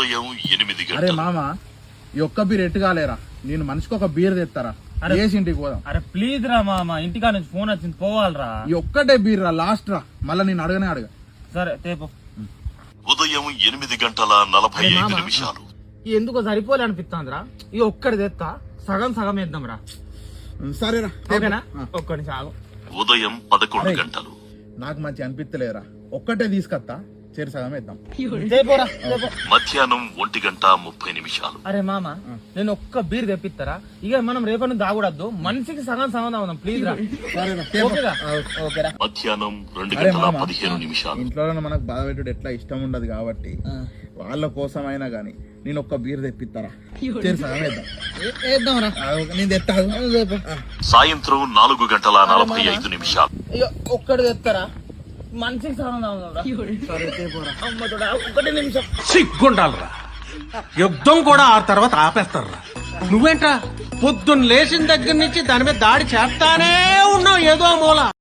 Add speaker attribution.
Speaker 1: ఉదయం 8
Speaker 2: అరే
Speaker 1: గంటలు.
Speaker 2: మామ ఈ ఒక్క బీర్ ఎట్టుగాలేరా, నేను మనిషికి ఒక బీర్ తెస్తారా, వేసి ఇంటికి పోదాం.
Speaker 3: అరే ప్లీజ్ రా మామ, ఇంటికా నుంచి ఫోన్ వచ్చింది, పోవాలరా.
Speaker 2: ఈ ఒక్కటే బీర్ రా, లాస్ట్ రా, మళ్ళా నేను అడగనే అడగ.
Speaker 3: సరే తేపో.
Speaker 1: ఉదయం 8:45 నిమిషాలు.
Speaker 3: ఎందుకో సరిపోలే అనిపిస్తాందిరా, ఈ ఒక్కడి తెస్తా, సగం సగం వేద్దాం రా.
Speaker 2: సరేరా,
Speaker 3: ఓకేనా? ఒక్కడి సాగు.
Speaker 1: ఉదయం 11 గంటలు.
Speaker 2: నాకు మంచి అనిపిస్తలేరా, ఒక్కటే తీసుకొస్తా, చేరి సగం వేద్దాం.
Speaker 3: తేపోరా, తేపో.
Speaker 1: మధ్యాహ్నం 1:30
Speaker 3: అరే మామ, నేను ఒక్క బీర్ తెప్పిస్తారా, ఇక మనం రేపటి నుంచి తాగూడద్దు, మనిషికి సగం సగం తాగుదాం ప్లీజ్ రా. ఓకేరా? ఓకేరా.
Speaker 1: మధ్యాహ్నం
Speaker 2: అరే మామ,
Speaker 1: 2:15
Speaker 2: ఇంట్లో మనకు బాధ పెట్టుడు ఎట్లా ఇష్టం ఉండదు కాబట్టి వాళ్ళ కోసమైనా గానీ నేను ఒక్క బీర్ తెప్పిస్తారా, చేరి సగం వేద్దాం రా. నేను తెస్తాను.
Speaker 1: సాయంత్రం 4:45.
Speaker 3: ఇక ఒక్కడి తెస్తారా, మనిషికి సగం తాగుదాం రా. సరే తేపోరా. అమ్మ తోడా, ఒక్కటి నిమిషం.
Speaker 4: సిగ్గుండాలరా, యుద్ధం కూడా ఆ తర్వాత ఆపేస్తారా. నువ్వేంట్రా పొద్దున్న లేచిన దగ్గర నుంచి దాని మీద దాడి చేస్తానే ఉన్నావు ఏదో మూల.